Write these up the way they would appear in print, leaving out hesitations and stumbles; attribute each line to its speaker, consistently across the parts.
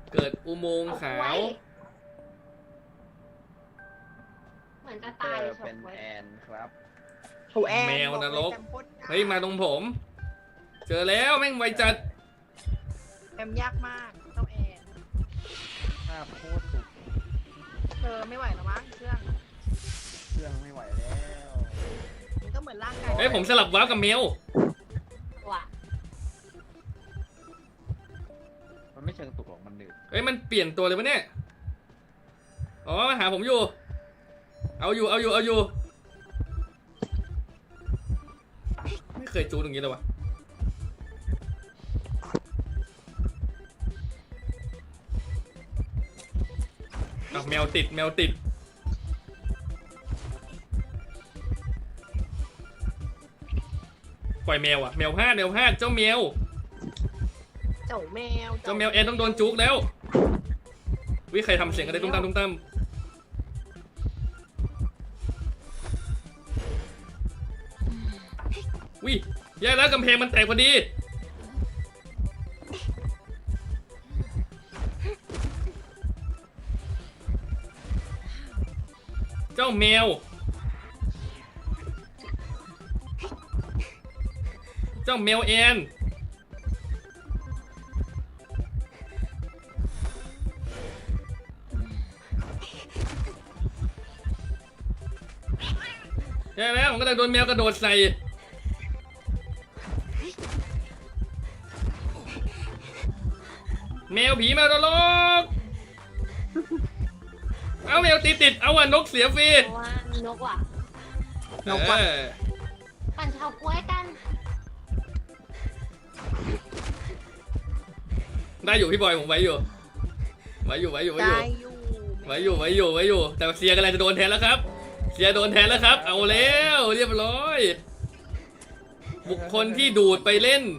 Speaker 1: เกิดอุโมงค์ขาว
Speaker 2: เหมือนจะตายเลย
Speaker 3: เป็นแอนครับ
Speaker 4: โถแอน
Speaker 1: แมวนรก
Speaker 4: บอกเลยแอมโคตรยาก
Speaker 1: เฮ้ยมาตรงผม เจอแล้วแม่งไวจัด
Speaker 4: แอมยากมากเจ้าแอน
Speaker 3: ภาพโคตรสุด
Speaker 4: เธอไม่ไหวแล้วมั้งเครื่อง
Speaker 3: เครื่องไม่ไหวแล้ว
Speaker 4: มันก็เหมือนร่างกาย
Speaker 1: เฮ้ยผมสลับวาร์ปกับเมล
Speaker 2: ว่ะ
Speaker 3: มันไม่เชิงตุกหรอกมันหนืด
Speaker 1: เฮ้ยมันเปลี่ยนตัวเลยวะเนี่ยอ๋อมาหาผมอยู่ เอาอยู่ไม่เคยจูนอย่างนี้เลยวะเอาแมวติดปล่อยแมวอะแมวพลาดเจ้าแมว
Speaker 4: เจ้าแมว
Speaker 1: เจ้าแมวแอนต้องโดนจุกแล้ววิใครทำเสียงอะไรตุ้มตามวิแย่แล้วกำแพงมันแตกพอดีเจ้าแมวแอนแย่แล้วผมกำลังโดนแมวกระโดดใส่แมวผีแมวนรกเอาแมวติดเอาอ่ะนกเสียฟรี
Speaker 2: เพราะว่านกว่ะ
Speaker 1: นกว่ะ
Speaker 2: ปั่นเฉาก๊วยกัน
Speaker 1: ได้อยู่พี่บอยผมไว้อยู่
Speaker 4: ได้อยู่
Speaker 1: แต่เสียกำลังจะโดนแทนแล้วครับเสียโดนแทนแล้วครับเอาแล้วเรียบร้อยบุคคลที่ดูดไปเล่น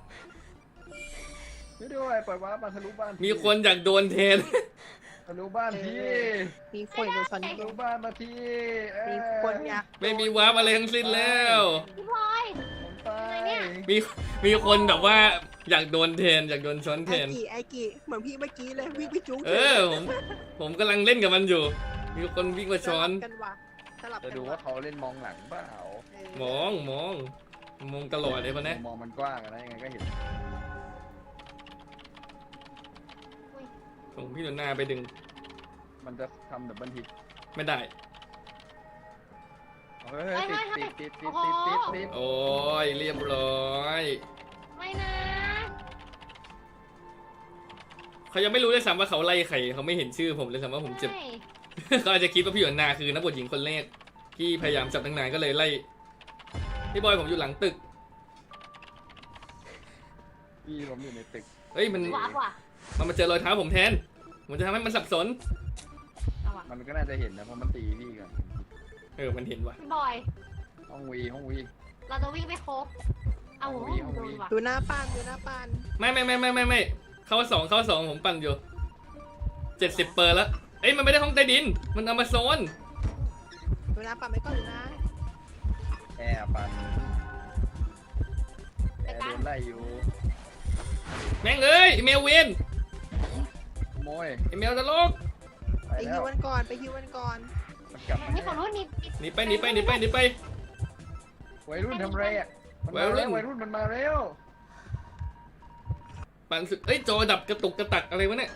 Speaker 3: ไม่ด้วยปล่อยว้ามาทะลุบ้าน
Speaker 1: มีคนอยากโดนแทน
Speaker 3: ทะลุบ้านที่
Speaker 4: มีคนอยู่ชั้น
Speaker 3: ทะลุบ้านมาที่
Speaker 4: มีคนอยาก
Speaker 1: ไม่มีวาร์ปอะไรทั้งสิ้นแล้ว
Speaker 2: พี่พลอย
Speaker 3: ผมตาย
Speaker 2: อะไรเนี่ย
Speaker 1: มีคนแบบว่าอยากโดนแทนอยากโดนช้อนแทน
Speaker 4: ไอกี่เหมือนพี่เมื่อกี้เลยวิ่งไปจุ๊ก
Speaker 1: ผมกำลังเล่นกับมันอยู่ มีคนวิ่งมาช้อน
Speaker 4: กันว่ะสลับ
Speaker 3: จะ
Speaker 4: กัน
Speaker 3: ดูว่าเขาเล่นมองหลังเปล่าม
Speaker 1: องตลอดเลยคนนี้
Speaker 3: มองมันกว้างนะยังไงก็เห็น
Speaker 1: ส่งพี่หนุนหน้าไปดึง
Speaker 3: มันจะทำดับเบิลฮิต
Speaker 1: ไม่ได้
Speaker 3: เฮ้ยติด
Speaker 1: โอ้ยเรียบร้อย
Speaker 2: ไม่นะ
Speaker 1: เขายังไม่รู้เลยซ้ำว่าเขาไล่ใครเขาไม่เห็นชื่อผมเลยซ้ำว่าผมเจ็บ
Speaker 2: ใช่
Speaker 1: เขาอาจจะคิดว่าพี่หยวนนาคือนักบวชหญิงคนแรกที่พยายามจับตั้งนานก็เลยไล่พี่บอยผมอยู่หลังตึก
Speaker 3: พี่ผมอยู่ในตึก
Speaker 1: เฮ้ยมัน
Speaker 2: ว้าวว่ะ
Speaker 1: มาเจอรอยเท้าผมแทนผมจะทำให้มันสับสน
Speaker 2: เอาว่ะ
Speaker 3: มันก็น่าจะเห็นนะเพราะมันตีพี่ก่อน
Speaker 1: มันเห็นว่ะ
Speaker 2: พี่บอย
Speaker 3: ห้องวี
Speaker 2: เราจะวิ่งไปโคบเอาโหโดนว่ะ
Speaker 4: ดูหน้าปาน
Speaker 1: ไม่เข้าสองผมปั่นอยู่70 เปอร์แล้วเอ้ยมันไม่ได้ห้องใต้ดินมันเอามาโซน
Speaker 4: ดูหน้าปานไม่ก่อนดูนะ
Speaker 3: แอร์ปันแอร์โดนไล่อยู่
Speaker 1: แม่งเอ้ยไอ้แมวเวน
Speaker 3: ขโมย
Speaker 1: ไอแมวนรก
Speaker 3: ไป
Speaker 4: ไป
Speaker 3: แล้
Speaker 4: ฮิ
Speaker 3: ว
Speaker 4: ววันก่อน
Speaker 3: มันกลับมา
Speaker 2: นี่ฝั่งนู้นนี่
Speaker 1: หนีไป
Speaker 3: วัยรุ่นทำไรอ่ะวัยรุ่นมันมาเร็ว
Speaker 1: ปั่นสุดเอ้ยจอดับกระตุกกระตักอะไรวะเนี่ย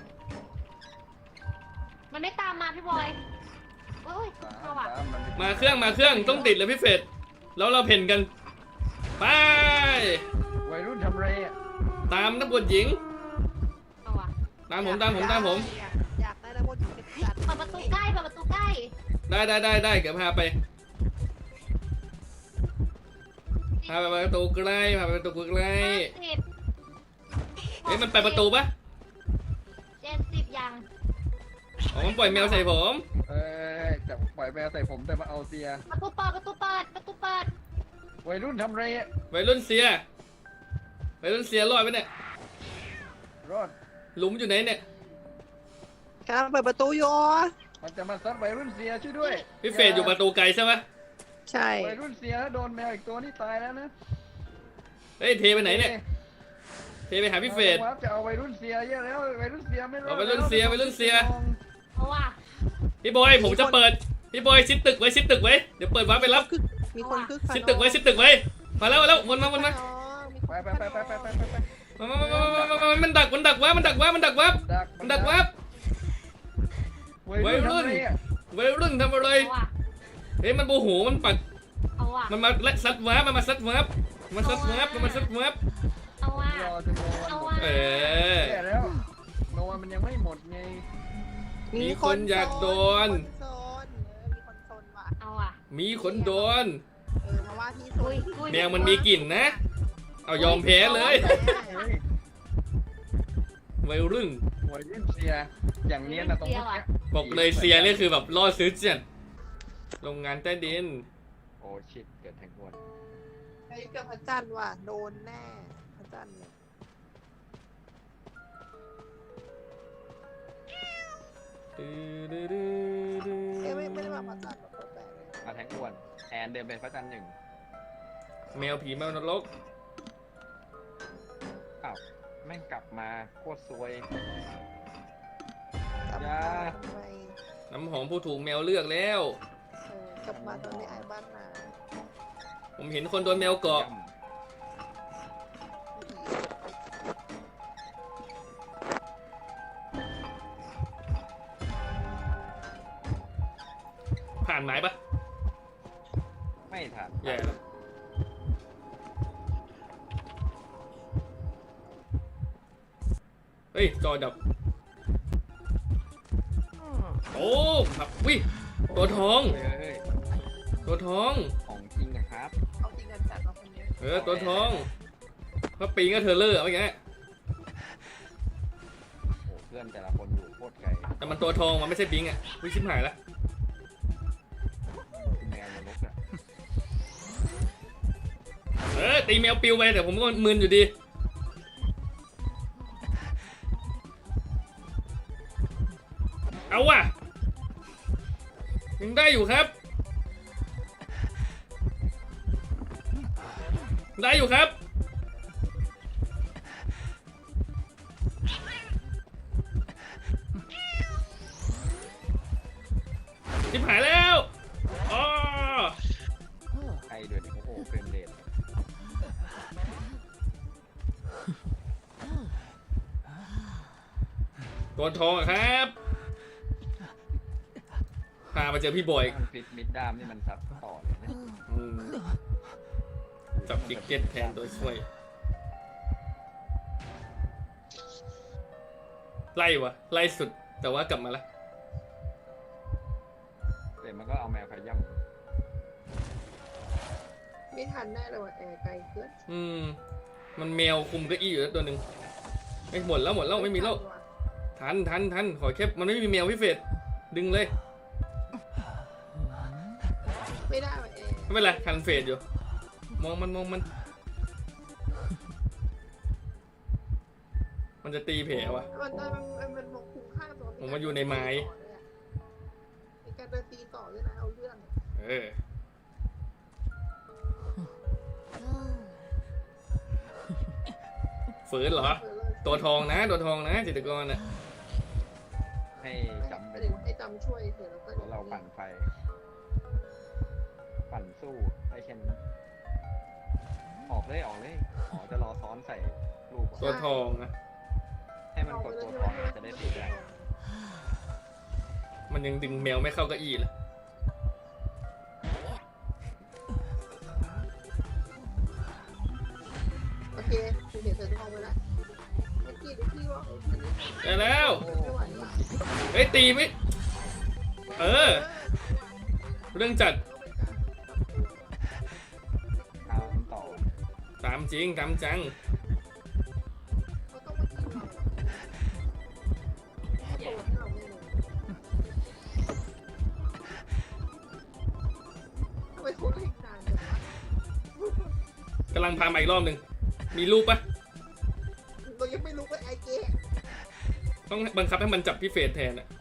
Speaker 2: มันไม่ตามมาพี่บอยโอ้ยเอาว่ะ
Speaker 1: มาเครื่องต้องติดเลยพี่เฟรดแล้วเราเพ่นกันไป
Speaker 3: วัยรุ่นทำไรอ่ะ
Speaker 1: ตามนักบวชหญิง
Speaker 2: เอาว่ะ
Speaker 1: ตามผม
Speaker 4: อยากได้แล้วโมจิเป็นจัด
Speaker 2: เปิดประตูใกล้เปิดประตูใกล้
Speaker 1: ได้เดี๋ยวพาไปประตูใกล้พาไปประตูใกล้
Speaker 2: 50
Speaker 1: เฮ้ยมันไปประตูปะ
Speaker 2: 70ยัง
Speaker 1: อ๋อมันปล่อยแมวใส่ผม
Speaker 3: จะปล่อยแมวใส่ผมแต่มาเอาเสีย
Speaker 2: ประตูเปิด
Speaker 3: วัยรุ่นทำไรอ่ะ
Speaker 1: วัยรุ่นเสียรอดไหมเนี่ย
Speaker 3: รอด
Speaker 1: หลุมอยู่ไหนเนี่ย
Speaker 4: กำลังเปิดประตูอยู่
Speaker 3: มันจะมาซัดวัยรุ่นเสียช่วยด้วย
Speaker 1: พี่เฟรดอยู่ประตูไกลใช่ปะ
Speaker 4: ใช่
Speaker 3: วัยรุ่นเสียแล้วโดนแมวอีกตัวนี่ตายแล้วนะ
Speaker 1: เฮ้ยเทไปไหนเนี่ยเทไปหาพี่เฟด
Speaker 3: จะเอาวัยรุ่นเสียเยอะแล้ววัยรุ่นเสียไม่รอด
Speaker 1: เอาวัยรุ่นเสียวัยรุ่นเสีย
Speaker 2: เอาว่ะ
Speaker 1: พี่บอยผมจะเปิดพี่บอยชิดตึกไว้ชิดตึกไว้เดี๋ยวเปิดวาร์ปไปรับ
Speaker 4: คือมีคนคึกคัน
Speaker 1: ชิดตึกไว้ชิดตึกไว้มาแล้ววนมา
Speaker 4: อ๋อมีคน
Speaker 3: ไป
Speaker 4: คึกคัน
Speaker 1: มันดักวะมันดักวะมันดักวะมันดักวะ
Speaker 3: วัยรุ่น
Speaker 1: วัยรุ่นทำอะไร
Speaker 2: เอาว่ะ
Speaker 1: เฮ้ยมันโมโหมันปัด
Speaker 2: เอาว่ะ
Speaker 1: มันมาและซัดวาร์ปมันมาซัดวาร์ปมันซัดวาร์ปมันซัดวาร์ป
Speaker 2: เอาว่ะ
Speaker 3: รอจนโนวัน
Speaker 2: เอา
Speaker 3: หมด
Speaker 2: ว่ะ
Speaker 1: เออ
Speaker 3: แย่แล้วโนวันมันยังไม่หมดไง
Speaker 1: มีคนอยากโดน
Speaker 4: มีคนโซนมีคนโซนว่ะ
Speaker 2: เอาว่ะ
Speaker 1: มีคนโดน
Speaker 4: มาว่าที่โซ
Speaker 2: อุ้
Speaker 4: น
Speaker 2: ยอุ้ย
Speaker 1: แมวมันมีกลิ่นนะ เอายอมแพ้เลย
Speaker 3: เฮ้ย
Speaker 1: วัยรุ่น
Speaker 3: วัยรุ่นเสียอย่างเนี้ยนะตรงนี้
Speaker 1: บอกเลยเซียนี่คือแบบล่อซื้อจัดโรงงานใต้ดิน
Speaker 3: โอ้ชิตเกิดแทงวน
Speaker 4: ไอ้กับพระจันทร์ว่ะโดนแน่พระจันทร์เนี่ยไม่ได้มาพระจันทร์หรอกแปลกเลย
Speaker 3: มาแทงวนแอนเดินเป็นพระจันทร์หนึ่ง
Speaker 1: แมวผีแมวนรก
Speaker 3: อ้าวแม่งกลับมาโคตรซวย
Speaker 4: กลับ
Speaker 3: อย่า
Speaker 4: มาทำไม
Speaker 1: น้ำหอมผู้ถูกแมวเลือกแล้ว
Speaker 4: กลับมาตอนนี้ไอ้บ้านนา
Speaker 1: ผมเห็นคนโดนแมวเกาะ ผ่านไหมปะ
Speaker 3: ไม่ทัน
Speaker 1: แย่แล้วเฮ้ย จอดับ โอ้ครับวิตัวทอง
Speaker 3: เฮ้ย
Speaker 1: ตัวทอง
Speaker 3: ของจริงนะครับ
Speaker 4: เอาจริงกันจัดเอาคนนี้
Speaker 1: ตัวทองพระปิงก็เทอร์เลอร์อะไรเงี้ย
Speaker 3: โอ้เพื่อนแต่ละคนอยู่โคตรไกล
Speaker 1: แต่มันตัวทองมันไม่ใช่ปิงอ่ะวิชิมหายละ
Speaker 3: แมวนรกอะ
Speaker 1: ตีแมวปิวไปแต่ผมก็มึนอยู่ดี เอาว่ะยังได้อยู่ครับ ได้อยู่ครับ ชิบหายแล้วอ๋อ
Speaker 3: ใครเดือดโอ้โหเฟรมเรท
Speaker 1: ตัวทองอะครับ พามาเจอพี่บอย
Speaker 3: มันฟิตมิดดามนี่มันซับต่อเลยนะ
Speaker 1: อืมจับกิกเก็ตแทนตัวช่วย ไล่วะไล่สุดแต่ว่ากลับมาละ
Speaker 3: แต่มันก็เอาแมวขย่
Speaker 4: ไม่ทันแน่เลยว่ะแอร์ไกลเกิน
Speaker 1: มันแมวคุมเก้าอี้อยู่แล้วตัวหนึ่งไม่หมดแล้วไม่มีแล้วทันขอแค่มันไม่มีแมวพี่เฟดดึงเลย
Speaker 4: ไม่ได้ว่ะแอร์
Speaker 1: ไม่เป็นไรทันเฟดอยู่มองมันมันจะตีแผลวะ
Speaker 4: มันคุ้มค่าตัว
Speaker 1: ผมมาอยู่ในไม้
Speaker 4: มีการเดินตีต่อด้วยนะเอาเรื่อง
Speaker 1: ฝืนเหรอ ตัวทองนะจิตรกรน่ะ
Speaker 3: ำให้จำเป็น
Speaker 4: ให้จำช่วยเถอะแล้วก็
Speaker 3: แล้วเราปั่นไฟ ปั่นสู้ได้แค่นี้ออกเลยอ๋อจะรอซ้อนใส่ลูก
Speaker 1: ตัวทองนะ
Speaker 3: ให้มันกดตัวทองมันจะได้ติดได้
Speaker 1: มันยังดึงแมวไม่เข้าเก้าอี้เลย
Speaker 4: โอเคคุณเห็นเธอทองไปแล้วเมื่อกี้พี่ว่า
Speaker 1: ได้แล้ว
Speaker 4: ไม่ไหวละ
Speaker 1: เฮ้ยตีไม่เรื่องจัด
Speaker 3: เอามันต่อ
Speaker 1: ตามจริงตามจัง
Speaker 4: เขาต้องมากินเราเขาโตให้เราไม่รู้ทำไมเขาเล่นนานจังวะ
Speaker 1: กำลังพามาอีกรอบหนึ่งมีรูปปะ
Speaker 4: เรายังไม่รู้ว่าไอเจ
Speaker 1: ต้องบังคับให้มันจับพี่เฟดแทนอ่ะ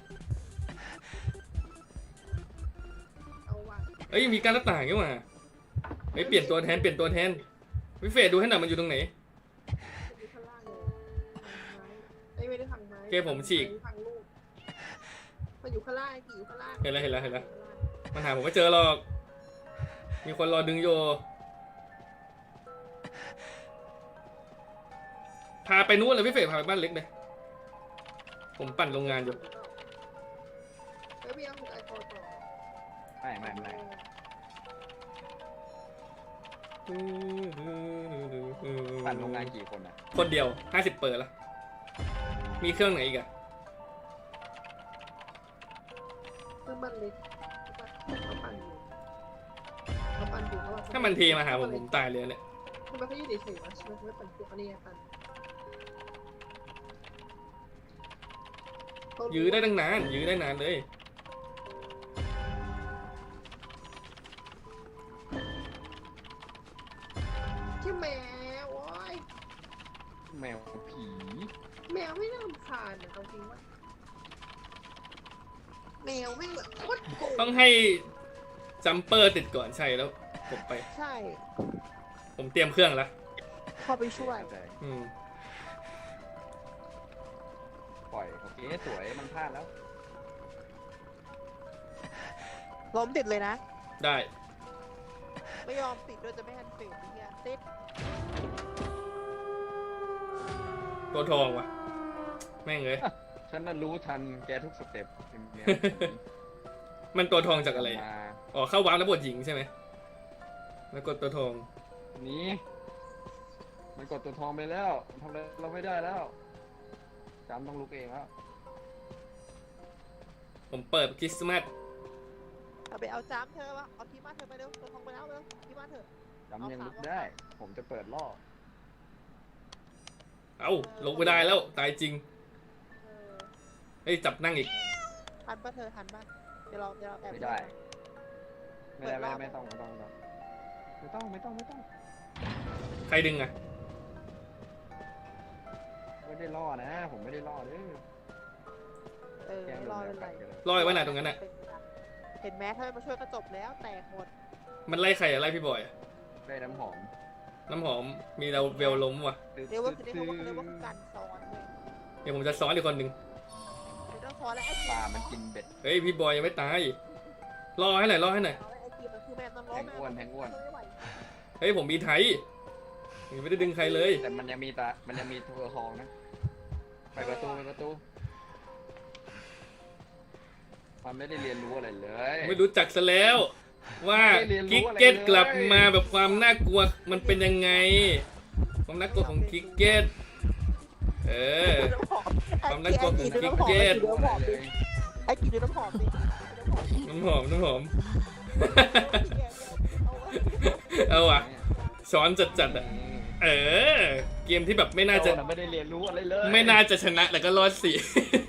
Speaker 4: เอาว่ะ
Speaker 1: เอ้ยยังมีการหน้าต่างนี่หว่าเฮ้ยเปลี่ยนตัวแทนพี่เฟดดูให้หน่อยมันอยู่ตรงไหน
Speaker 4: อยู่ข้างล่างเลย
Speaker 1: โอเคผมฉีก
Speaker 4: ฟังลูกมันอยู่ข้างล่างกี่อยู่ข้างล่าง
Speaker 1: เห็นแล้วเห็นแล้วเห็นแล้ว มันหาผมไม่เจอหรอก มีคนรอดึงโยพาไปนู้นเลยพี่เฟรพาไปบ้านเล็กเลย ผมปั่นโรงงานอยู่
Speaker 4: เฮ้ยพี่เอาไอโฟนต่อ
Speaker 3: ไม่ ปั่นโรงงานกี่คนอ่ะ
Speaker 1: คนเดียว50 เปิดแล้ว มีเครื่องไหนอีกอะ
Speaker 4: เครื่องบ้านเล็กเขาปั่นอยู่เขาปั่นอยู่เขาปั่นอยู่
Speaker 1: ถ้ามันเทมาหาผมตายเลยเนี่ย
Speaker 4: ทำไมเขายืดเฉยๆวะทำไมเขาไม่ปั่นเครื่องอันนี้ไงปั่น
Speaker 1: ยื้อได้ตั้งนาน ยื้อได้นานเลย
Speaker 4: ชื่อแมวโอ้ย
Speaker 3: แมวผี
Speaker 4: แมวไม่น่ารำคาญนะเอาจริงว่าแมวไม่งแบบโคตรโกง
Speaker 1: ต้องให้จัมเปอร์ติดก่อนใช่แล้วผมไป
Speaker 4: ใช่
Speaker 1: ผมเตรียมเครื่องแล้ว
Speaker 4: พอไปช่วย
Speaker 1: อืม
Speaker 3: ปล่อยโอเคสวยมันพลาดแล้ว
Speaker 4: ล้มติดเลยนะ
Speaker 1: ได้
Speaker 4: ไม่ยอมติดด้วยจะไม่ทันเฟดเนี่ยติด
Speaker 1: ตัวทองว่ะ แม่งเลย
Speaker 3: ฉันน่ะรู้ทันแกทุกสเต็ปเป็นไง
Speaker 1: มันตัวทองจากอะไรอะ
Speaker 3: มา
Speaker 1: อ๋อ เข้าวาร์ปแล้วบทหญิงใช่ไหม แล้วกดตัวทอง
Speaker 3: หนีมันกดตัวทองไปแล้วมันทำอะไรเราไม่ได้แล้วจำต้องลุกเองแล้ว
Speaker 1: ผมเปิดคริสต์มาส
Speaker 4: เอาไปเอาจ้ามเธอวะเอาที่บ้านเธอไปเร็วตัวทองไปแล้วเร็วที่บ้านเธอ
Speaker 3: จำยังลุกได้ ผมจะเปิดล่อ
Speaker 1: เอ้า ลงไปได้แล้ว ตายจริง
Speaker 4: เออ
Speaker 1: เฮ้ย จับนั่งอีก
Speaker 4: ทันปะเธอทันปะเดี๋ยวเราแอบ
Speaker 3: ไม่ได้ ไม่ต้อง
Speaker 1: ใครดึงอะ
Speaker 3: ไม่ได้ล่อนะ ผมไม่ได้ล่อเด้อ
Speaker 4: เออ
Speaker 3: แกง
Speaker 4: ไม่
Speaker 3: โด
Speaker 4: รอน
Speaker 3: แม
Speaker 4: เล
Speaker 3: วย กัดกันเลย
Speaker 1: ลอยไว้ไหนตรงนั้นอะ
Speaker 4: เห็นไหมถ้าไม่มาช่วยก็จบแล้วแตกหมด
Speaker 1: มันไล่ใครอะไล่พี่บอยอะ
Speaker 3: ได้น้ำหอม
Speaker 1: น้ำหอม มีเราเวลล้มว่ะ
Speaker 4: เรียกว่าคือเรียกว่าคือการซ้อนเลย
Speaker 1: เดี๋ยวผมจะซ้อนอีกคนหนึ่ง
Speaker 4: เดี๋ยวต้องซ้อนแล้วไอ้
Speaker 3: ปลามันกินเบ็ด
Speaker 1: เฮ้ย พี่บอยยังไม่ตาย รอให้หน่อย รอให้หน่อย
Speaker 4: ไอ้ทีมันคือแม่ต้องล้
Speaker 3: แท
Speaker 4: ม
Speaker 3: งอ้วนแทงอ้วน
Speaker 4: ไม่ไหว
Speaker 1: เฮ้ย ผมมีไทยยังไม่ได้ดึงใครเลย
Speaker 3: แต่มันยังมีตัวทองนะ ไปประตูมันไม่ได้เรียนรู้อะไรเลย
Speaker 1: ไม่รู้จักซะแล้ว ว่า
Speaker 3: ไม่เรียนรู้
Speaker 1: กิก
Speaker 3: อะไร
Speaker 1: เก็ต
Speaker 3: เลย
Speaker 1: กลับมาแบบความน่ากลัวมันเป็นยังไง ความน่ากลัวของกิกเก็ตเออ ความน่ากลัวของกิ๊กเก็ต
Speaker 4: ไอ้กินดูน้ำหอมดิ
Speaker 1: น้ำหอมน้ำหอม เอาว่ะช้อนจัดๆอ่ะ เออ เกมที่แบบไม่น่าจะ
Speaker 3: ไม่ได้เรียนรู้อะไรเลย
Speaker 1: ไม่น่าจะชนะแต่ก็รอดสิ